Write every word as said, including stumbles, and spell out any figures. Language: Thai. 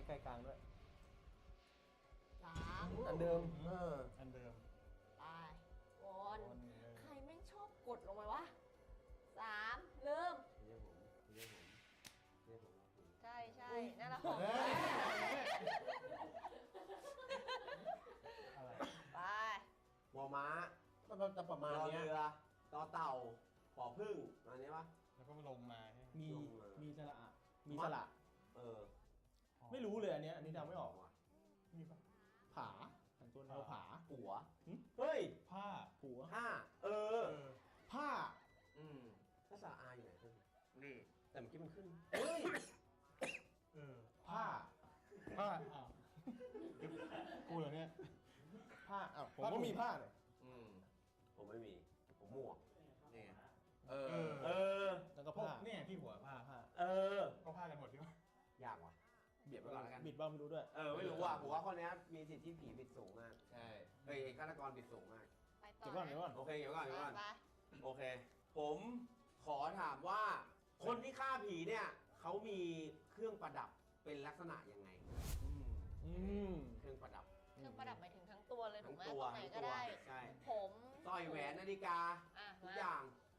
กล้ๆกลางด้วยสามอันเดิมเอออันเดิมไปวนวนเลยใครแม่งชอบกดลงไปวะสามเริ่มเรียกผมเรียกผมเรียกผมใช่ใช่นั่นแหละของอะไรไปมอม้ามันจะประมาณรอเนี้ยเรือต่อเต่าปอพึ่งอันนี้ปะแล้วก็ลงมาใช่ไหมมีลงมามีมีสระอะมีสระเออไม่รู้เลยอันเนี้ยอันนี้เดาไม่ออกว่ะมีปะผาแต่งตัวแนวผาหัวหึเฮ้ยผ้าหัวห้าเออเออผ้าอืมถ้าสาอาอยู่ไหนขึ้นนี่แต่เมื่อกี้มันขึ้นเฮ้ยเออผ้าผ้าอ้าวกูเหรอเนี่ยผ้าอ้าวผมก็มีผ้าเลยอืมผมไม่มีผมหมวกนี่เอเอออเออแล้วก็พวกผ้าเนี่ยที่หัวผ้าผ้าเออก็ผ้ากันหมดใช่ไหมยากว่ะเบียดไว้ก่อนแล้วกันบิดบ้างไม่รู้ด้วยเออไม่รู้ว่ะผมว่าข้อนี้มีสิทธิ์ที่ผีบิดสูงมากใช่เฮ้ยฆาตกรบิดสูงมากไปต่อเดี๋ยวก่อนเดี๋ยวก่อนโอเคเดี๋ยวก่อนเดี๋ยวก่อนไปโอเค ผมขอถามว่า คนที่ฆ่าผีเนี่ยเขามีเครื่องประดับเป็นลักษณะยังไงอืมอืมเครื่องประดับเครื่องประดับหมายถึงทั้งตัวเลยถูทั้กงไหมตัวตรงไหนทั้งก็ตัวได้ใช่ผมสร้อยแหวนนาฬิกาอ่ะทุกมาอย่าง